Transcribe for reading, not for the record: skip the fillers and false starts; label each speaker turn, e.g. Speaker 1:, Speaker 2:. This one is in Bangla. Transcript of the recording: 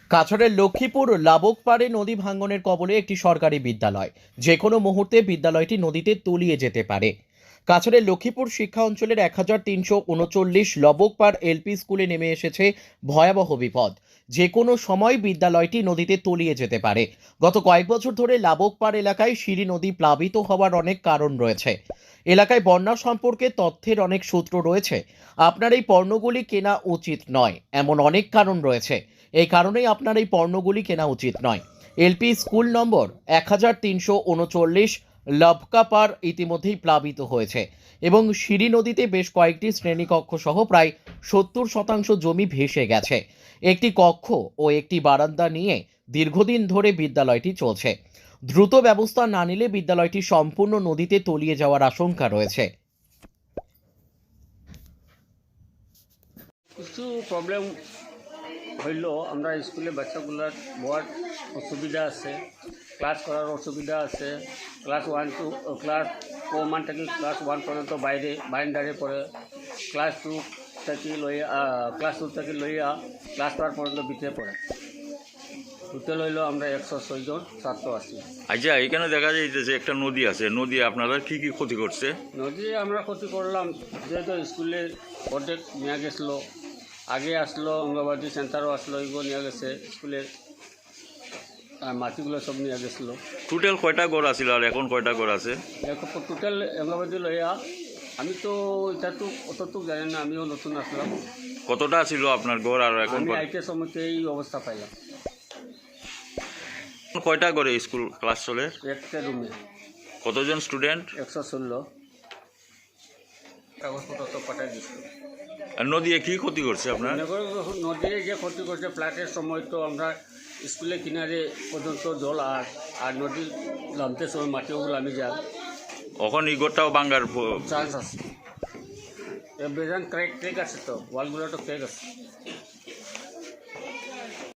Speaker 1: কাছাড়ের লক্ষ্মীপুর লাবকপাড়ে নদী ভাঙ্গনের কবলে একটি সরকারি বিদ্যালয় যে কোনো মুহূর্তে বিদ্যালয়টি নদীতে তলিয়ে যেতে পারে। কাছাড়ের লক্ষ্মীপুর শিক্ষা অঞ্চলের 1339 লবকপাড় এলপি স্কুলে নেমে এসেছে ভয়াবহ বিপদ। যে কোনো সময় বিদ্যালয়টি নদীতে তলিয়ে যেতে পারে। গত কয়েক বছর ধরে লাবকপাড় এলাকায় সিঁড়ি নদী প্লাবিত হওয়ার অনেক কারণ রয়েছে। এলাকায় বন্যা সম্পর্কে তথ্যের অনেক সূত্র রয়েছে। আপনার এই পণ্যগুলি কেনা উচিত নয়, এমন অনেক কারণ রয়েছে। এই কারণেই আপনার এই পণ্যগুলি কেনা উচিত নয়। এলপি স্কুল নম্বর 1339 লবকাপার ইতিমধ্যেই প্লাবিত হয়েছে এবং সিঁড়ি নদীতে বেশ কয়েকটি শ্রেণীকক্ষ সহ প্রায় 70% জমি ভেসে গেছে। একটি কক্ষ ও একটি বারান্দা নিয়ে দীর্ঘদিন ধরে বিদ্যালয়টি চলছে। দ্রুত ব্যবস্থা না নিলে বিদ্যালয়টি সম্পূর্ণ নদীতে তলিয়ে যাওয়ার আশঙ্কা রয়েছে।
Speaker 2: কিছু প্রবলেম হইল, আমরা স্কুলে বাচ্চাগুলোর বড় অসুবিধা আছে, ক্লাস করার অসুবিধা আছে। ক্লাস 1 থেকে ক্লাস 1 পর্যন্ত বারান্দারে পড়ে। ক্লাস 2 থেকে লইয়া ক্লাস 4 পর্যন্ত ভিতরে পড়ে। টোটাল হইল আমরা 106 জন ছাত্র আছি।
Speaker 3: আচ্ছা, এখানে দেখা যাইতেছে একটা নদী আছে। নদী আপনারা কি কি ক্ষতি করছে?
Speaker 2: নদী আমরা ক্ষতি করলাম, যেহেতু স্কুলে অর্ধেক নিয়ে গেছিলো। আগে আসলো অঙ্গনবাদী সেন্টারও আসলো, এগুলো নিয়ে গেছে স্কুলের মাটিগুলো সব নিয়ে গেছিলো।
Speaker 3: টোটাল কয়টা ঘর আছিল আর এখন কয়টা ঘর আছে?
Speaker 2: টোটাল অঙ্গনবাদী লইয়া আমি তো এটা তো অতটুক জানি না, আমিও নতুন আসলাম।
Speaker 3: কতটা ছিল আপনার ঘর আর এখন
Speaker 2: আমি আইতে সময়তে এই অবস্থা পাইলাম।
Speaker 3: কয়টা ঘরে স্কুল ক্লাস চলে?
Speaker 2: একটা রুমে
Speaker 3: কতজন স্টুডেন্ট?
Speaker 2: 116। কাগজপত্র তো পাঠাই দিচ্ছিল।
Speaker 3: আর নদী কি ক্ষতি করছে আপনার?
Speaker 2: নদীর যে ক্ষতি করছে, ফ্লাটের সময় তো আমরা স্কুলের কিনারে পর্যন্ত জল আর নদীর নামতে সময় মাটিগুলো আমি যাই।
Speaker 3: এখন এই ঘরটাও ভাঙ্গার
Speaker 2: চান্স আছে, বেজান ক্র্যাক আছে, তো ওয়ালগুলো তো ক্র্যাক আছে।